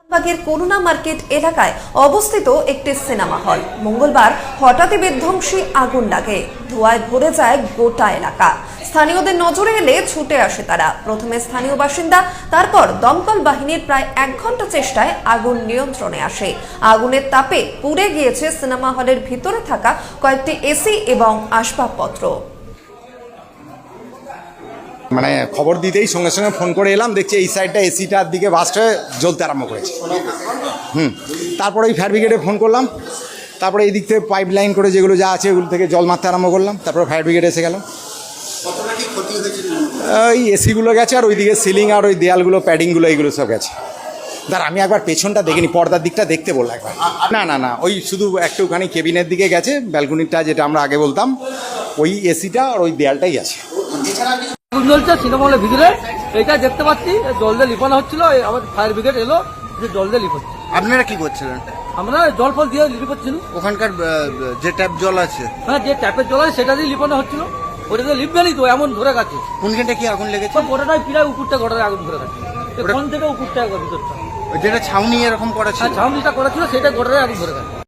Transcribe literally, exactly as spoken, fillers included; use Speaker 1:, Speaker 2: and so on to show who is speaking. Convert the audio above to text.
Speaker 1: বাগের করুণা মার্কেট এলাকায় অবস্থিত একটি সিনেমা হল মঙ্গলবার হঠাৎই বিধ্বংসী আগুন লাগে। ধোঁয়ায় ভরে যায় গোটা এলাকা। স্থানীয়দের নজরে এলে ছুটে আসে তারা। প্রথমে স্থানীয় বাসিন্দা, তারপর দমকল বাহিনীর প্রায় এক ঘন্টা চেষ্টায় আগুন নিয়ন্ত্রণে আসে। আগুনের তাপে পুড়ে গিয়েছে সিনেমা হলের ভিতরে থাকা কয়েকটি এসি এবং আসবাবপত্র।
Speaker 2: মানে খবর দিতেই সঙ্গে সঙ্গে ফোন করে এলাম, দেখছি এই সাইডটা এসিটার দিকে বাস্ট হয়ে জ্বলতে আরম্ভ করেছে। হুম তারপরে ওই ফায়ার ব্রিগেডে ফোন করলাম, তারপরে এই দিক থেকে পাইপ লাইন করে যেগুলো যা আছে ওগুলো থেকে জল মারতে আরম্ভ করলাম। তারপরে ফায়ার ব্রিগেড এসে গেল। ওই এসিগুলো গেছে, আর ওইদিকে সিলিং আর ওই দেয়ালগুলো প্যাডিংগুলো এইগুলো সব গেছে। দাঁড়া, আমি একবার পেছনটা দেখিনি, পর্দার দিকটা দেখতে বললাম একবার। না না না ওই শুধু একটুখানি কেবিনের দিকে গেছে, ব্যালকনিটা যেটা আমরা আগে বলতাম, ওই এসিটা আর ওই দেয়ালটাই আছে।
Speaker 3: আগুন জ্বলছে সিনেমা হলের ভিতরে, এটা দেখতে পাচ্ছি। জল দিয়ে লিপানো হচ্ছিল, আমার ফায়ার ব্রিগেড এলো, যে জল দিয়ে লিপ হচ্ছে।
Speaker 4: আপনারা কি করছিলেন?
Speaker 3: আমরা জল ফল দিয়ে লিপ হচ্ছিল।
Speaker 4: ওখানকার আহ, যে ট্যাপ জল আছে,
Speaker 3: হ্যাঁ, যে ট্যাপের জল আছে সেটা দিয়ে লিপানো হচ্ছিল। ওটা দিয়ে লিপবে নি তো, এমন ধরে গেছে।
Speaker 4: কোনখানটা কি আগুন লেগেছে?
Speaker 3: সব গোটাটাই প্রায় উপরটা গোটায় আগুন ধরে গেছে। কোন থেকে উপরটা একবার ভিতরটা,
Speaker 4: যেটা ছাউনি এরকম করা ছিল?
Speaker 3: হ্যাঁ, ছাউনিটা করা ছিল সেটা গোটায় আগুন ধরে গেছে।